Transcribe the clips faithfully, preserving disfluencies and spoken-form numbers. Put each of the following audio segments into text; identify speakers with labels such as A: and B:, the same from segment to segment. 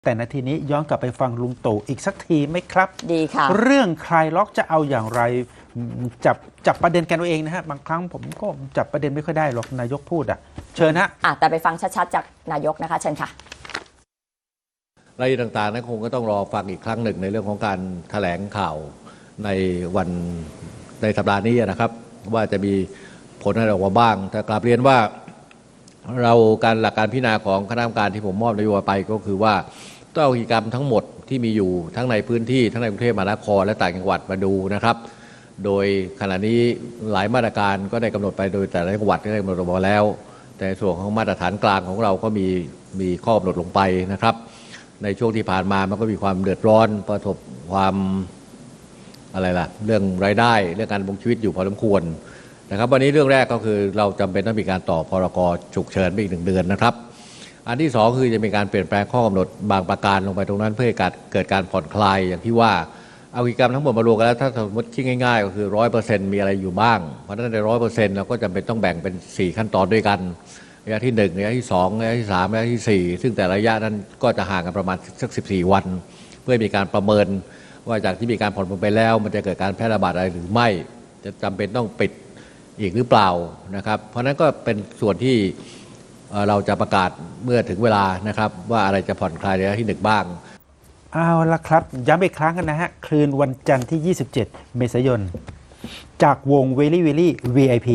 A: แต่นาทีนี้ย้อนกลับไปฟังลุงตู่อีกสักทีไหมครับ
B: ดีค่ะ
A: เรื่องคลายล็อกจะเอาอย่างไรจับจับประเด็นกันเอาเองนะฮะบางครั้งผมก็จับประเด็นไม่ค่อยได้หรอกนายกพูดอ่ะเชิญฮะ
B: อ่ะแต่ไปฟังชัดๆจากนายกนะคะเชิญค่ะ
C: รายละเอียดต่างๆนั้นคงก็ต้องรอฟังอีกครั้งหนึ่งในเรื่องของการแถลงข่าวในวันในสัปดาห์นี้นะครับว่าจะมีผลอะไรออกมาบ้างแต่กลับเรียนว่าเราการหลักการพิจารณาของคณะกรรมการที่ผมมอบนโยบายไปก็คือว่าต้องเอากิจกรรมทั้งหมดที่มีอยู่ทั้งในพื้นที่ทั้งในกรุงเทพมหานครและต่างจังหวัดมาดูนะครับโดยขณะนี้หลายมาตรการก็ได้กำหนดไปโดยแต่ละจังหวัดได้กำหนดออกมาแล้วแต่ส่วนของมาตรฐานกลางของเราก็มีมีข้อกำหนดลงไปนะครับในช่วงที่ผ่านมามันก็มีความเดือดร้อนประสบความอะไรล่ะเรื่องรายได้เรื่องการดำรงชีวิตอยู่พอสมควรนะครับวันนี้เรื่องแรกก็คือเราจำเป็นต้องมีการต่อพรกฉุกเฉินไปอีกหนึ่งเดือนนะครับอันที่สองคือจะมีการเปลี่ยนแปลงข้อกำหนดบางประการลงไปตรงนั้นเพื่อให้เกิดการผ่อนคลายอย่างที่ว่าเอากิจกรรมทั้งหมดมารวมกันแล้วถ้าสมมติคิดง่ายๆก็คือร้อยเปอร์เซ็นต์มีอะไรอยู่บ้างเพราะฉะนั้นในร้อยเปอร์เซ็นต์เราก็จำเป็นต้องแบ่งเป็นสี่ขั้นตอนด้วยกันระยะที่หนึ่งระยะที่สองระยะที่สามระยะที่สี่ซึ่งแต่ละระยะนั้นก็จะห่างกันประมาณสักสิบสี่วันเพื่อมีการประเมินว่าจากที่มีการผ่อนปลนไปแล้วมันจะเกิดการแพร่ระบาดอะไรหรือไม่จะจำเป็นต้องปิดอีกหรือเปล่านะครับเพราะนั้นก็เป็นส่วนที่เราจะประกาศเมื่อถึงเวลานะครับว่าอะไรจะผ่อนคลายระยะที่หนึ่งบ้าง
A: เอาละครับย้ำอีกครั้งกันนะฮะคืนวันจันทร์ที่ยี่สิบเจ็ดเมษายนจากวง Very Very วี ไอ พี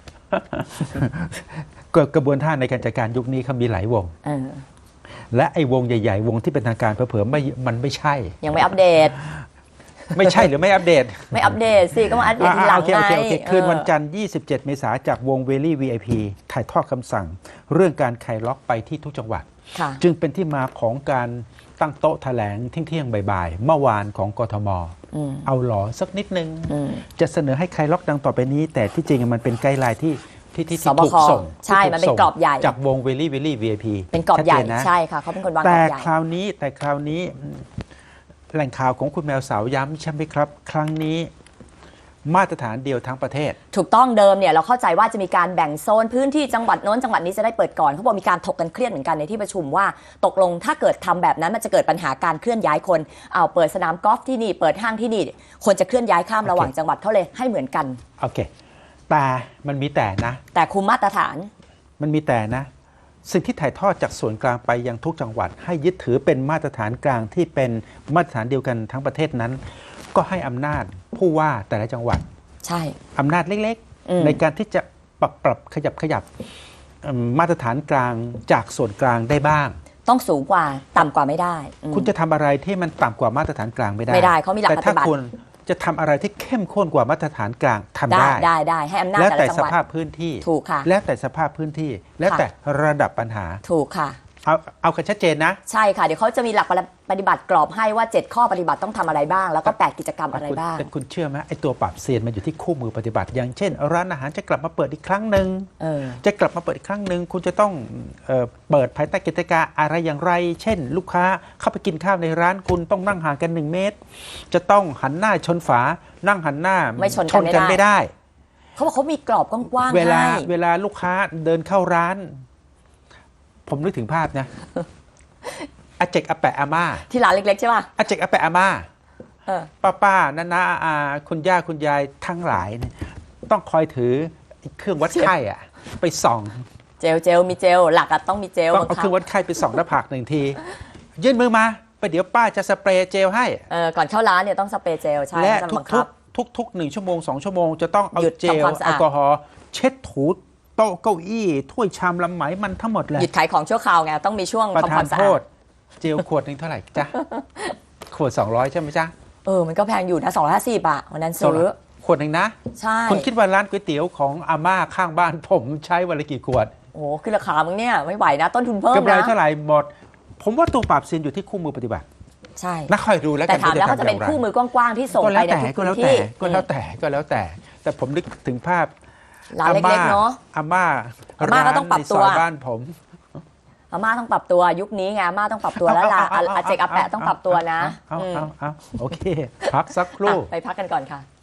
A: กระบวนท่าในการจัดการยุคนี้เขามีหลายวงและไอ้วงใหญ่ๆวงที่เป็นทางการเผลอๆไม่มันไม่ใช่
B: ยังไม่อัปเดต
A: ไม่ใช่หรือไม่อัปเดต
B: ไม่อัปเดตสิก็มาอัปเดตทีหลังไง
A: คืนวันจันทร์ยี่สิบเจ็ดเมษายนจากวง Very วี ไอ พี ถ่ายทอดคำสั่งเรื่องการคลายล็อกไปที่ทุกจังหวัดจึงเป็นที่มาของการตั้งโต๊ะแถลงเที่ยงๆบ่ายๆเมื่อวานของกทมเอาหลอสักนิดนึงจะเสนอให้คลายล็อกดังต่อไปนี้แต่ที่จริงมันเป็นไกด์ไลน์ที่ที่ที่ถูกส่ง
B: ใช่มันเป็นกรอบใหญ่
A: จากวง Very Very วี ไอ พี
B: เป็นกรอบใหญ่ใช่ค่ะเขาเป็นคนวางกรอบใหญ่
A: แต่คราวนี้แต่คราวนี้แหล่งข่าวของคุณแมวสาวย้ำใช่ไหมครับครั้งนี้มาตรฐานเดียวทั้งประเทศ
B: ถูกต้องเดิมเนี่ยเราเข้าใจว่าจะมีการแบ่งโซนพื้นที่จังหวัดโน้นจังหวัดนี้จะได้เปิดก่อนเขาบอกมีการถกกันเครียดเหมือนกันในที่ประชุมว่าตกลงถ้าเกิดทำแบบนั้นมันจะเกิดปัญหาการเคลื่อนย้ายคนเอาเปิดสนามกอล์ฟที่นี่เปิดห้างที่นี่คนจะเคลื่อนย้ายข้ามระหว่างจังหวัดเขาเลยให้เหมือนกัน
A: โอเคแต่มันมีแต่นะ
B: แต่คุมมาตรฐาน
A: มันมีแต่นะสิ่งที่ถ่ายทอดจากส่วนกลางไปยังทุกจังหวัดให้ยึดถือเป็นมาตรฐานกลางที่เป็นมาตรฐานเดียวกันทั้งประเทศนั้นก็ให้อำนาจผู้ว่าแต่ละจังหวัด
B: ใช่
A: อำนาจเล็กๆในการที่จะปรับปรับขยับขยับมาตรฐานกลางจากส่วนกลางได้บ้าง
B: ต้องสูงกว่าต่ำกว่าไม่ได้
A: คุณจะทำอะไรที่มันต่ำกว่ามาตรฐานกลางไม่ได้
B: ไม่ได้เขามีหลักปฏิบัติแต่ถ้าคุณ
A: จะทำอะไรที่เข้มข้นกว่ามาตรฐานกลางทำได้
B: ได้ได้ให้อำนาจ
A: แล้วแต่สภาพพื้นที่
B: ถูกค่ะ
A: แล้วแต่สภาพพื้นที่แล้วแต่ระดับปัญหา
B: ถูกค่ะ
A: เอาเอากันชัดเจนนะ
B: ใช่ค่ะเดี๋ยวเขาจะมีหลักปฏิบัติกรอบให้ว่าเจ็ดข้อปฏิบัติต้องทำอะไรบ้างแล้วก็แปดกิจกรรมอะไรบ้าง
A: แต่คุณเชื่อไหมไอ้ตัวปรับเซียนมันอยู่ที่คู่มือปฏิบัติอย่างเช่นร้านอาหารจะกลับมาเปิดอีกครั้งหนึ่งจะกลับมาเปิดอีกครั้งหนึ่งคุณจะต้องเอ่อเปิดภายใต้กติกาอะไรอย่างไรเช่นลูกค้าเข้าไปกินข้าวในร้านคุณต้องนั่งห่างกันหนึ่งเมตรจะต้องหันหน้าชนฝานั่งหันหน้า
B: ไม่ชน
A: กันไม่ได้
B: เขาบอกเขามีกรอบกว้างๆ
A: เวลาเวลาลูกค้าเดินเข้าร้านผมนึกถึงภาพนะอาเจกอาแปะอาม่า
B: ที่ร้านเล็กๆใช่ป่ะ
A: อาเจกอาแปะอาม่าป้าป้าน้าน้าอาคุณย่าคุณยายทั้งหลายเนี่ยต้องคอยถือเครื่องวัดไข้อะไปส่อง
B: เจลเจลมีเจลหลักอะต้องมีเจล
A: ต้องเอาเครื่องวัดไข้ไปส่องหน้าผากหนึ่งทียื่นมือมาไปเดี๋ยวป้าจะสเปรย์เจลให้
B: เออก่อนเข้าร้านเนี่ยต้องสเปรย์เจลใช่
A: และทุกๆทุกๆหนึ่งชั่วโมงสองชั่วโมงจะต้องเอาเจลแอลกอฮอล์เช็ดถูโต๊ะเก้าอี้ถ้วยชามลำไหมมันทั้งหมดเลย
B: หยุดขายของชั่วคราวไงต้องมีช่วง
A: ทำความสะอาดเจลขวดหนึ่งเท่าไหร่จ๊ะขวดสองร้อยใช่ไหมจ๊ะ
B: เออมันก็แพงอยู่นะสองร้อยห้าสิบอะวันนั้นซื้อ
A: ขวดหนึ่งนะ
B: ใช่
A: คุณคิดว่าร้านก๋วยเตี๋ยวของอาม่าข้างบ้านผมใช้วันละกี่ขวด
B: โอ้ขึ้นราคามึงเนี่ยไม่ไหวนะต้นทุนเพิ่มนะ
A: กำไรเท่าไหร่หมดผมว่าตัวปรับเซียนอยู่ที่คู่มือปฏิบัติ
B: ใช่
A: นักคอยดูแล้วกัน
B: แต่ถามแล้วเขาจะเป็นคู่มือกว้างๆที่ส่งไปในทุกพื้นที่
A: ก็แล้วแต่ก็แล้วแต่แต่ผมนึกถึงภาพ
B: ร้านเล็กๆเนาะ
A: อาม่า
B: อาม่าก็ต้องปรับตัว
A: บ้านผม
B: อาม่าต้องปรับตัวยุคนี้ไงอาม่าต้องปรับตัวแล้วล่ะอาเจกอาแปะต้องปรับตัวนะ
A: เอาเอาเอาโอเคพักสักครู่
B: ไปพักกันก่อนค่ะ